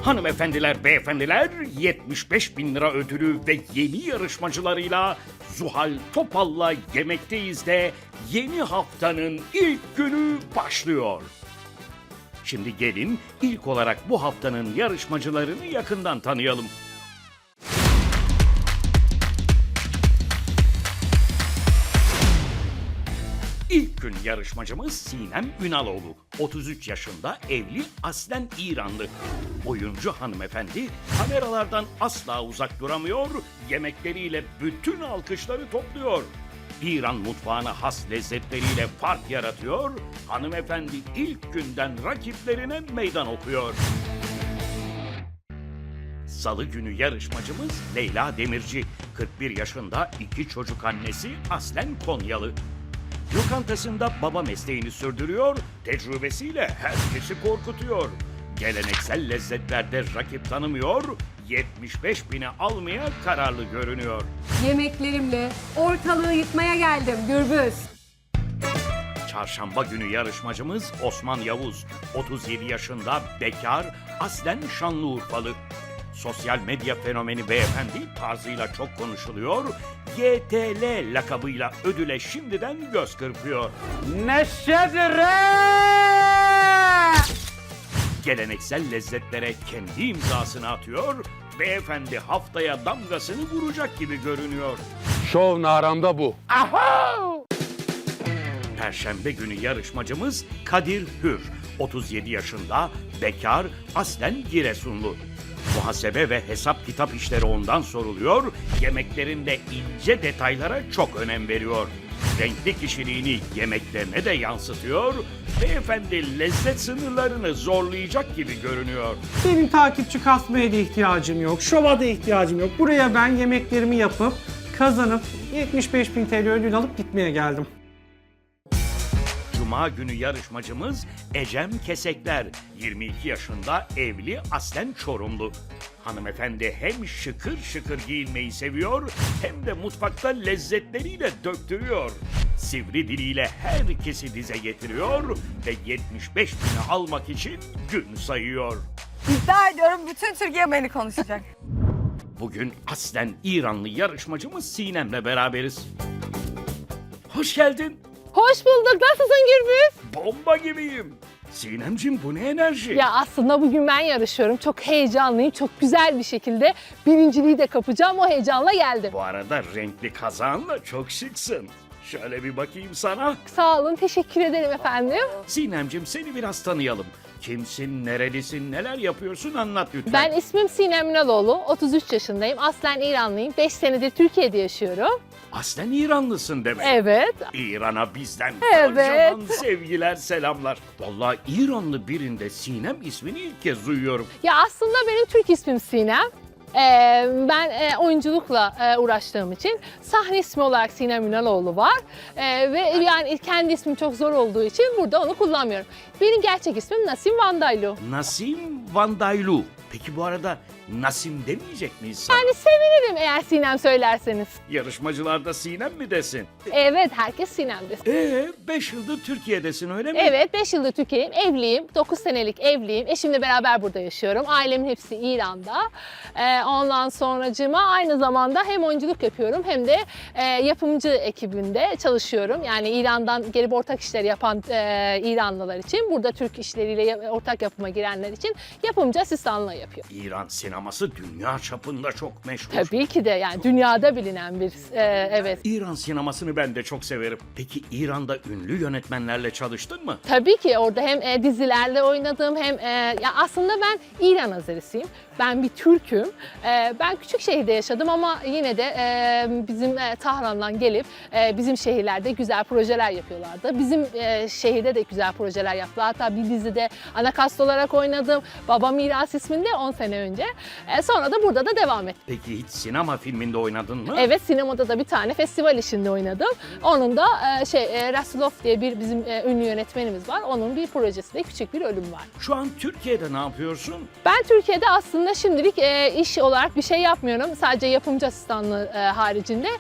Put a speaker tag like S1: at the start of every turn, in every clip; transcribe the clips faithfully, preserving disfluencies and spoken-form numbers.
S1: Hanımefendiler, beyefendiler, yetmiş beş bin lira ödülü ve yeni yarışmacılarıyla Zuhal Topal'la Yemekteyiz de yeni haftanın ilk günü başlıyor. Şimdi gelin ilk olarak bu haftanın yarışmacılarını yakından tanıyalım. İlk gün yarışmacımız Sinem Ünaloğlu. otuz üç yaşında, evli, aslen İranlı. Oyuncu hanımefendi kameralardan asla uzak duramıyor, yemekleriyle bütün alkışları topluyor. İran mutfağına has lezzetleriyle fark yaratıyor, hanımefendi ilk günden rakiplerine meydan okuyor. Salı günü yarışmacımız Leyla Demirci. kırk bir yaşında, iki çocuk annesi, aslen Konyalı. Lokantasında baba mesleğini sürdürüyor, tecrübesiyle herkesi korkutuyor. Geleneksel lezzetlerde rakip tanımıyor, yetmiş beş bini almaya kararlı görünüyor.
S2: Yemeklerimle ortalığı yıkmaya geldim Gürbüz.
S1: Çarşamba günü yarışmacımız Osman Yavuz. otuz yedi yaşında, bekar, aslen Şanlıurfalı. Sosyal medya fenomeni beyefendi tarzıyla çok konuşuluyor, Y T L lakabıyla ödüle şimdiden göz kırpıyor.
S3: Neşedir!
S1: Geleneksel lezzetlere kendi imzasını atıyor, beyefendi haftaya damgasını vuracak gibi görünüyor.
S3: Şov naramda bu.
S1: Perşembe günü yarışmacımız Kadir Hür. otuz yedi yaşında, bekar, aslen Giresunlu. Muhasebe ve hesap kitap işleri ondan soruluyor, yemeklerinde ince detaylara çok önem veriyor. Renkli kişiliğini yemeklerine de yansıtıyor, beyefendi lezzet sınırlarını zorlayacak gibi görünüyor.
S4: Benim takipçi kasmaya da ihtiyacım yok, şova da ihtiyacım yok. Buraya ben yemeklerimi yapıp, kazanıp yetmiş beş bin T L ödül alıp gitmeye geldim.
S1: Cuma günü yarışmacımız Ecem Kesekler. yirmi iki yaşında, evli, aslen Çorumlu. Hanımefendi hem şıkır şıkır giyinmeyi seviyor, hem de mutfakta lezzetleriyle döktürüyor. Sivri diliyle herkesi dize getiriyor ve yetmiş beş bini almak için gün sayıyor.
S5: İddia ediyorum bütün Türkiye beni konuşacak.
S1: Bugün aslen İranlı yarışmacımız Sinem'le beraberiz. Hoş geldin.
S6: Hoş bulduk. Nasılsın Gürbüz?
S1: Bomba gibiyim. Sinemcim, bu ne enerji?
S6: Ya aslında bugün ben yarışıyorum. Çok heyecanlıyım. Çok güzel bir şekilde birinciliği de kapacağım. O heyecanla geldim.
S1: Bu arada renkli kazağınla çok şıksın. Şöyle bir bakayım sana.
S6: Sağ olun. Teşekkür ederim efendim.
S1: Sinemcim, seni biraz tanıyalım. Kimsin, nerelisin, neler yapıyorsun, anlat lütfen.
S6: Ben ismim Sinem Ünaloğlu. otuz üç yaşındayım. Aslen İranlıyım. beş senedir Türkiye'de yaşıyorum.
S1: Aslen İranlısın demek.
S6: Evet.
S1: İran'a bizden
S6: Evet.
S1: kocaman sevgiler, selamlar. Vallahi İranlı birinde Sinem ismini ilk kez duyuyorum.
S6: Ya aslında benim Türk ismim Sinem. Ee, ben e, oyunculukla e, uğraştığım için sahne ismi olarak Sinem Ünaloğlu var. Ee, ve yani kendi ismim çok zor olduğu için burada onu kullanmıyorum. Benim gerçek ismim Nasim Vandaylu.
S1: Nasim Vandaylu. Peki bu arada Nasim demeyecek miyiz sana?
S6: Yani sevinirim eğer Sinem söylerseniz.
S1: Yarışmacılarda Sinem mi desin?
S6: Evet, herkes Sinem'dir.
S1: Ee, beş yıldır Türkiye'desin, öyle mi?
S6: Evet, beş yıldır Türkiye'yim, evliyim, dokuz senelik evliyim. Eşimle beraber burada yaşıyorum. Ailemin hepsi İran'da. Ee, ondan sonracığıma aynı zamanda hem oyunculuk yapıyorum hem de e, yapımcı ekibinde çalışıyorum. Yani İran'dan gelip ortak işleri yapan e, İranlılar için, burada Türk işleriyle ortak yapıma girenler için yapımcı asistanlığı yapıyor.
S1: İran sineması dünya çapında çok meşhur.
S6: Tabii ki de, yani dünyada bilinen bir, e, evet.
S1: İran sinemasını ben de çok severim. Peki İran'da ünlü yönetmenlerle çalıştın mı?
S6: Tabii ki orada hem e, dizilerle oynadım hem e, ya aslında ben İran Azerisiyim. Ben bir Türk'üm. E, ben küçük şehirde yaşadım ama yine de e, bizim e, Tahran'dan gelip e, bizim şehirlerde güzel projeler yapıyorlardı. Bizim e, şehirde de güzel projeler yaptılar. Hatta bir dizide ana kast olarak oynadım. Baba Miras isminde on sene önce. E, sonra da burada da devam ettim.
S1: Peki hiç sinema filminde oynadın mı?
S6: Evet, sinemada da bir tane festival işinde oynadım. Onun da e, şey e, Rasulov diye bir bizim e, ünlü yönetmenimiz var. Onun bir projesinde küçük bir ölüm var.
S1: Şu an Türkiye'de ne yapıyorsun?
S6: Ben Türkiye'de aslında şimdilik e, iş olarak bir şey yapmıyorum. Sadece yapımcı asistanlığı e, haricinde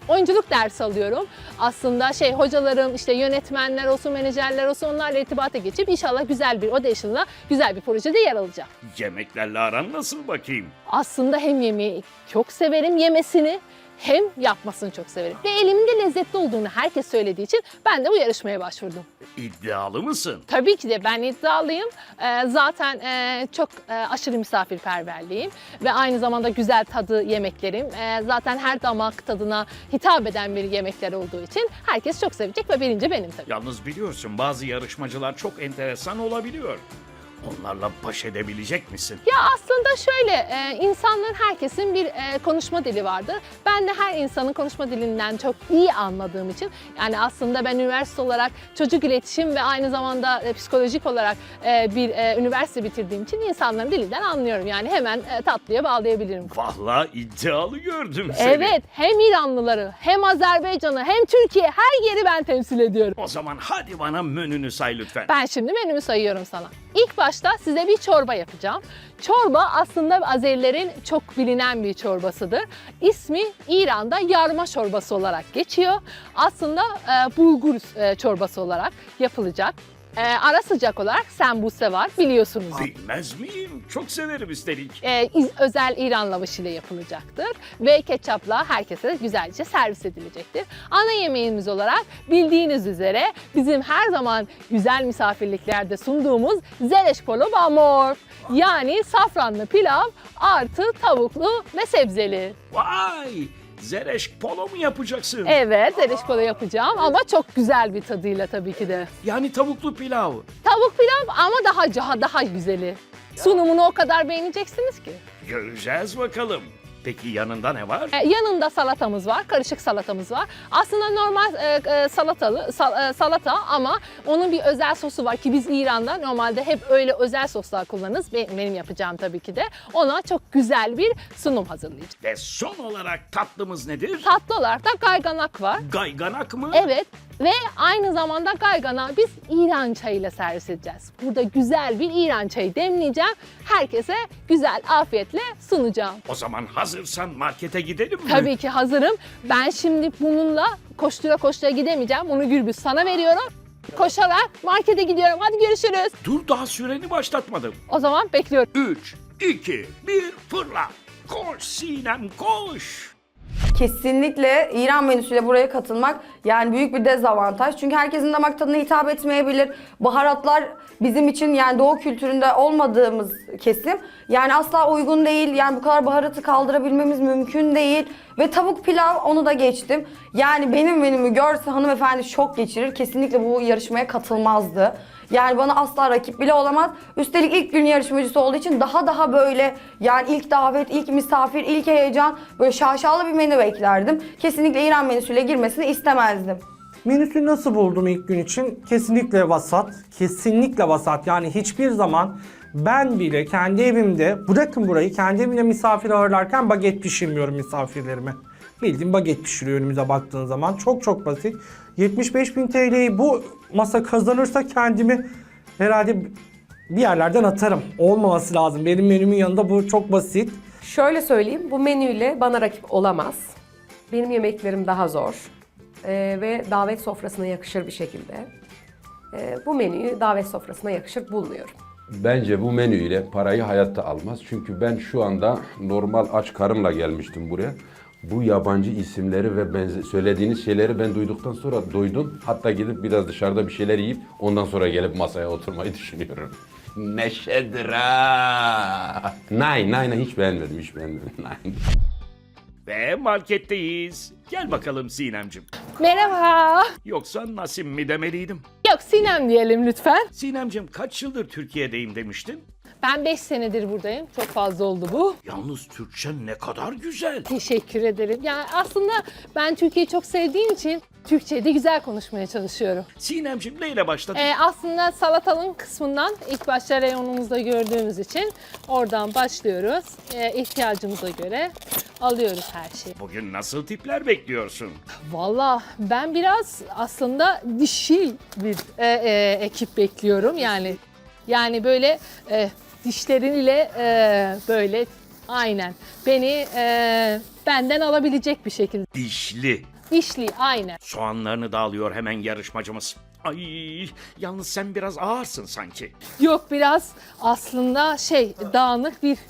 S6: oyunculuk dersi alıyorum. Aslında şey hocalarım, işte yönetmenler olsun, menajerler olsun onlarla irtibata geçip inşallah güzel bir audition'la güzel bir projede yer alacağım.
S1: Yemeklerle aran nasıl bakayım?
S6: Aslında hem yemeği çok severim yemesini hem yapmasını çok severim. Ve elimin lezzetli olduğunu herkes söylediği için ben de bu yarışmaya başvurdum.
S1: İddialı mısın?
S6: Tabii ki de ben iddialıyım. Ee, zaten e, çok e, aşırı misafirperverliyim ve aynı zamanda güzel tadı yemeklerim. E, zaten her damak tadına hitap eden bir yemekler olduğu için herkes çok sevecek ve birinci benim tabii.
S1: Yalnız biliyorsun bazı yarışmacılar çok enteresan olabiliyor. Onlarla baş edebilecek misin?
S6: Ya aslında şöyle, e, insanların herkesin bir e, konuşma dili vardır. Ben de her insanın konuşma dilinden çok iyi anladığım için, yani aslında ben üniversite olarak çocuk iletişim ve aynı zamanda e, psikolojik olarak e, bir e, üniversite bitirdiğim için insanların dilinden anlıyorum. Yani hemen e, tatlıya bağlayabilirim.
S1: Vallahi iddialı gördüm seni.
S6: Evet, hem İranlıları, hem Azerbaycan'ı, hem Türkiye, her yeri ben temsil ediyorum.
S1: O zaman hadi bana menünü say lütfen.
S6: Ben şimdi menümü sayıyorum sana. İlk başta size bir çorba yapacağım. Çorba aslında Azerilerin çok bilinen bir çorbasıdır. İsmi İran'da yarma çorbası olarak geçiyor. Aslında e, bulgur e, çorbası olarak yapılacak. E, ara sıcak olarak sembuse var, biliyorsunuz.
S1: Bilmez miyim? Çok severim üstelik.
S6: E, iz- özel İran lavaşı ile yapılacaktır ve ketçapla herkese güzelce servis edilecektir. Ana yemeğimiz olarak bildiğiniz üzere bizim her zaman güzel misafirliklerde sunduğumuz zereş polo bamor, yani safranlı pilav artı tavuklu ve sebzeli.
S1: Vay! Zereş polo mu yapacaksın?
S6: Evet, zereş polo yapacağım ama çok güzel bir tadıyla tabii ki de.
S1: Yani tavuklu pilav.
S6: Tavuk pilav ama daha daha daha güzeli. Sunumunu o kadar beğeneceksiniz ki.
S1: Göreceğiz bakalım. Peki yanında ne var?
S6: E, yanında salatamız var, karışık salatamız var. Aslında normal e, e, salatalı sal- e, salata ama onun bir özel sosu var ki biz İran'da normalde hep öyle özel soslar kullanırız. Benim, benim yapacağım tabii ki de. Ona çok güzel bir sunum hazırlayacağım.
S1: Ve son olarak tatlımız nedir?
S6: Tatlı olarak da gayganak var.
S1: Gayganak mı?
S6: Evet ve aynı zamanda gayganağı biz İran çayıyla servis edeceğiz. Burada güzel bir İran çayı demleyeceğim. Herkese güzel afiyetle sunacağım.
S1: O zaman hazırsan markete gidelim mi?
S6: Tabii ki hazırım. Ben şimdi bununla koştura koştura gidemeyeceğim. Bunu Gürbüz sana veriyorum. Koşarak markete gidiyorum. Hadi görüşürüz.
S1: Dur daha süreni başlatmadım.
S6: O zaman bekliyorum.
S1: üç, iki, bir fırla. Koş Sinem koş.
S5: Kesinlikle İran menüsüyle buraya katılmak yani büyük bir dezavantaj. Çünkü herkesin damak tadına hitap etmeyebilir. Baharatlar bizim için yani doğu kültüründe olmadığımız kesim. Yani asla uygun değil. Yani bu kadar baharatı kaldırabilmemiz mümkün değil. Ve tavuk pilav onu da geçtim. Yani benim menümü görse hanımefendi şok geçirir. Kesinlikle bu yarışmaya katılmazdı. Yani bana asla rakip bile olamaz. Üstelik ilk gün yarışmacısı olduğu için daha daha böyle yani ilk davet, ilk misafir, ilk heyecan böyle şaşalı bir menü beklerdim. Kesinlikle İran menüsüyle girmesini istemezdim.
S4: Menüsü nasıl buldum ilk gün için? Kesinlikle vasat. Kesinlikle vasat. Yani hiçbir zaman ben bile kendi evimde, bırakın burayı, kendi evimde misafir ağırlarken baget pişirmiyorum misafirlerime. Bildiğin baget pişiriyor önümüze baktığın zaman. Çok çok basit. yetmiş beş bin T L'yi bu masa kazanırsa kendimi herhalde bir yerlerden atarım. Olmaması lazım. Benim menümün yanında bu çok basit.
S7: Şöyle söyleyeyim, bu menüyle bana rakip olamaz. Benim yemeklerim daha zor Ee, ve davet sofrasına yakışır bir şekilde. Ee, bu menüyü davet sofrasına yakışır bulmuyorum.
S8: Bence bu menüyle parayı hayatta almaz. Çünkü ben şu anda normal aç karımla gelmiştim buraya. Bu yabancı isimleri ve benze- söylediğiniz şeyleri ben duyduktan sonra doydum. Hatta gidip biraz dışarıda bir şeyler yiyip ondan sonra gelip masaya oturmayı düşünüyorum. Neşedir ha. Nein, nein, hiç beğenmedim, hiç beğenmedim. Nein.
S1: Ve marketteyiz. Gel bakalım Sinemcim.
S6: Merhaba.
S1: Yoksa Nasim mi demeliydim?
S6: Yok Sinem diyelim lütfen.
S1: Sinemcim kaç yıldır Türkiye'deyim demiştin?
S6: Ben beş senedir buradayım. Çok fazla oldu bu.
S1: Yalnız Türkçe ne kadar güzel.
S6: Teşekkür ederim. Yani aslında ben Türkiye'yi çok sevdiğim için Türkçe'yi de güzel konuşmaya çalışıyorum.
S1: Sinemcim neyle başladın?
S6: Ee, aslında salatalığın kısmından ilk başta reyonumuzda gördüğümüz için oradan başlıyoruz. Ee, ihtiyacımıza göre alıyoruz her şeyi.
S1: Bugün nasıl tipler bekliyorsun?
S6: Valla ben biraz aslında dişil bir e, e, ekip bekliyorum yani. Yani böyle e, dişleriyle e, böyle aynen beni e, benden alabilecek bir şekilde.
S1: Dişli.
S6: dişli aynen.
S1: Soğanlarını da alıyor hemen yarışmacımız. Ay, yalnız sen biraz ağırsın sanki.
S6: Yok biraz aslında şey dağınık bir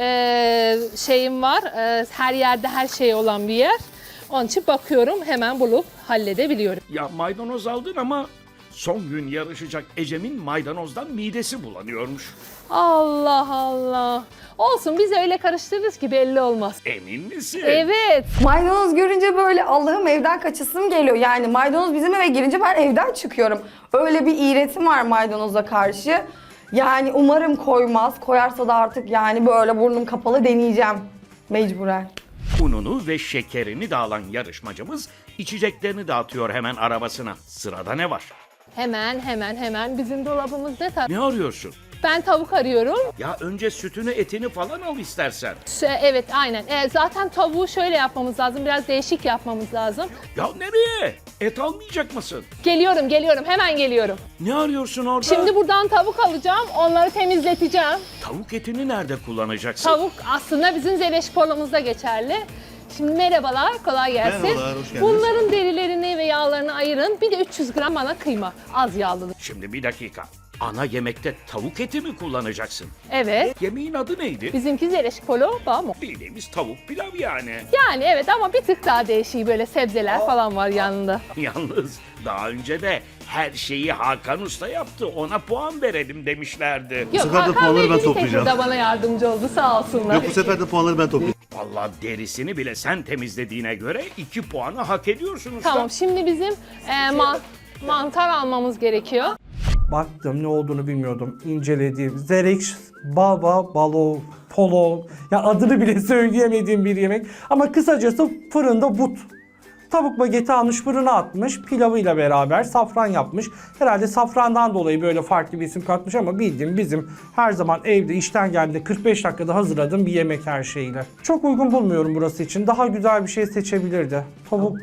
S6: e, şeyim var. E, her yerde her şey olan bir yer. Onun için bakıyorum hemen bulup halledebiliyorum.
S1: Ya maydanoz aldın ama son gün yarışacak Ecem'in maydanozdan midesi bulanıyormuş.
S6: Allah Allah. Olsun biz öyle karıştırırız ki belli olmaz.
S1: Emin misin?
S6: Evet.
S5: Maydanoz görünce böyle Allah'ım evden kaçasım geliyor. Yani maydanoz bizim eve girince ben evden çıkıyorum. Öyle bir iğretim var maydanoza karşı. Yani umarım koymaz. Koyarsa da artık yani böyle burnum kapalı deneyeceğim. Mecburen.
S1: Ununu ve şekerini de alan yarışmacımız içeceklerini dağıtıyor hemen arabasına. Sırada ne var?
S6: Hemen hemen hemen bizim dolabımız ne tar-
S1: Ne arıyorsun?
S6: Ben tavuk arıyorum.
S1: Ya önce sütünü etini falan al istersen.
S6: Ş- Evet aynen. E, zaten tavuğu şöyle yapmamız lazım. Biraz değişik yapmamız lazım.
S1: Ya nereye? Et almayacak mısın?
S6: Geliyorum geliyorum hemen geliyorum.
S1: Ne arıyorsun orada?
S6: Şimdi buradan tavuk alacağım. Onları temizleteceğim.
S1: Tavuk etini nerede kullanacaksın?
S6: Tavuk aslında bizim Zeleşpor'umuzda geçerli. Şimdi merhabalar, kolay gelsin.
S9: Merhabalar, hoş geldiniz.
S6: Bunların derilerini ve yağlarını ayırın. Bir de üç yüz gram bana kıyma, az yağlı.
S1: Şimdi bir dakika. Ana yemekte tavuk eti mi kullanacaksın?
S6: Evet.
S1: Yemeğin adı neydi?
S6: Bizimki Zeleşpolo, bamo.
S1: Bildiğimiz tavuk pilav yani.
S6: Yani evet ama bir tık daha değişik böyle sebzeler falan var yanında.
S1: Yalnız daha önce de her şeyi Hakan Usta yaptı. Ona puan verelim demişlerdi.
S6: Yok,
S9: sefer de
S6: Hakan
S9: puanları
S6: Bey
S9: ben
S6: bir tek
S9: toplayacağım.
S6: burada bana yardımcı oldu sağ olsunlar.
S9: Yok bu sefer de puanları ben toplayacağım.
S1: Vallahi derisini bile sen temizlediğine göre iki puanı hak ediyorsun usta.
S6: Tamam şimdi bizim e, ma- mantar almamız gerekiyor.
S4: Baktım, ne olduğunu bilmiyordum. İnceledim. Zerex, baba, balo, polo. Ya adını bile söyleyemediğim bir yemek. Ama kısacası fırında but. Tavuk bageti almış, fırına atmış. Pilavıyla beraber safran yapmış. Herhalde safrandan dolayı böyle farklı bir isim katmış ama bildiğim bizim her zaman evde işten geldiğinde kırk beş dakikada hazırladığım bir yemek her şeyiyle. Çok uygun bulmuyorum burası için. Daha güzel bir şey seçebilirdi. Tavuk...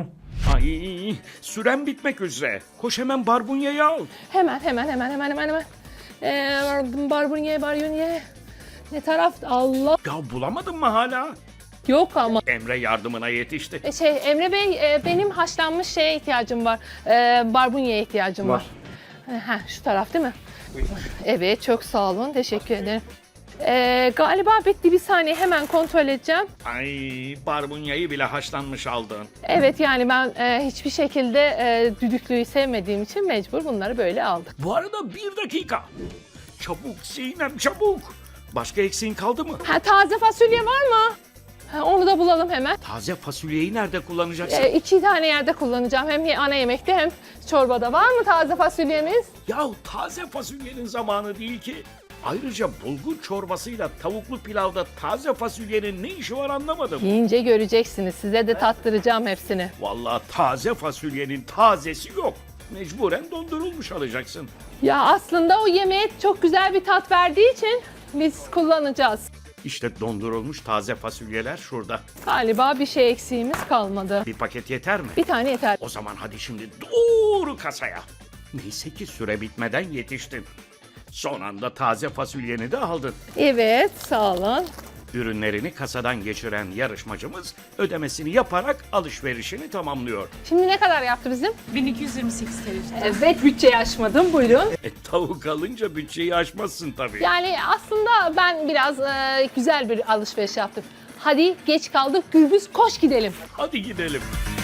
S1: Ay, süren bitmek üzere. Koş hemen barbunyayı al.
S6: Hemen hemen hemen hemen hemen hemen. Ee, barbunye barbunye. Ne taraf? Allah.
S1: Ya bulamadın mı hala?
S6: Yok ama.
S1: Emre yardımına yetişti.
S6: E, Şey Emre Bey e, benim haşlanmış şeye ihtiyacım var. E, barbunyeye ihtiyacım var. var. Ha, şu taraf değil mi? Evet çok sağ olun. Teşekkür ederim. E, galiba bitti bir saniye hemen kontrol edeceğim.
S1: Ay, barbunyayı bile haşlanmış aldın.
S6: Evet yani ben e, hiçbir şekilde e, düdüklüyü sevmediğim için mecbur bunları böyle aldık.
S1: Bu arada bir dakika. Çabuk Sinem çabuk. Başka eksiğin kaldı mı?
S6: Ha, taze fasulye var mı? Ha, onu da bulalım hemen.
S1: Taze fasulyeyi nerede kullanacaksın?
S6: E, iki tane yerde kullanacağım. Hem ana yemekte hem çorbada. Var mı taze fasulyemiz?
S1: Yahu taze fasulyenin zamanı değil ki. Ayrıca bulgur çorbasıyla tavuklu pilavda taze fasulyenin ne işi var anlamadım.
S6: Yiyince göreceksiniz. Size de tattıracağım hepsini.
S1: Vallahi taze fasulyenin tazesi yok. Mecburen dondurulmuş alacaksın.
S6: Ya aslında o yemeğe çok güzel bir tat verdiği için biz kullanacağız.
S1: İşte dondurulmuş taze fasulyeler şurada.
S6: Galiba bir şey eksiğimiz kalmadı.
S1: Bir paket yeter mi?
S6: Bir tane yeter.
S1: O zaman hadi şimdi doğru kasaya. Neyse ki süre bitmeden yetiştin. Son anda taze fasulyeni de aldın.
S6: Evet, sağ olun.
S1: Ürünlerini kasadan geçiren yarışmacımız ödemesini yaparak alışverişini tamamlıyor.
S6: Şimdi ne kadar yaptı bizim?
S10: bin iki yüz yirmi sekiz T L.
S6: Evet, bütçeyi aşmadım. Buyurun.
S1: E tavuk alınca bütçeyi aşmazsın tabii.
S6: Yani aslında ben biraz e, güzel bir alışveriş yaptım. Hadi geç kaldık. Gürbüz koş gidelim.
S1: Hadi gidelim.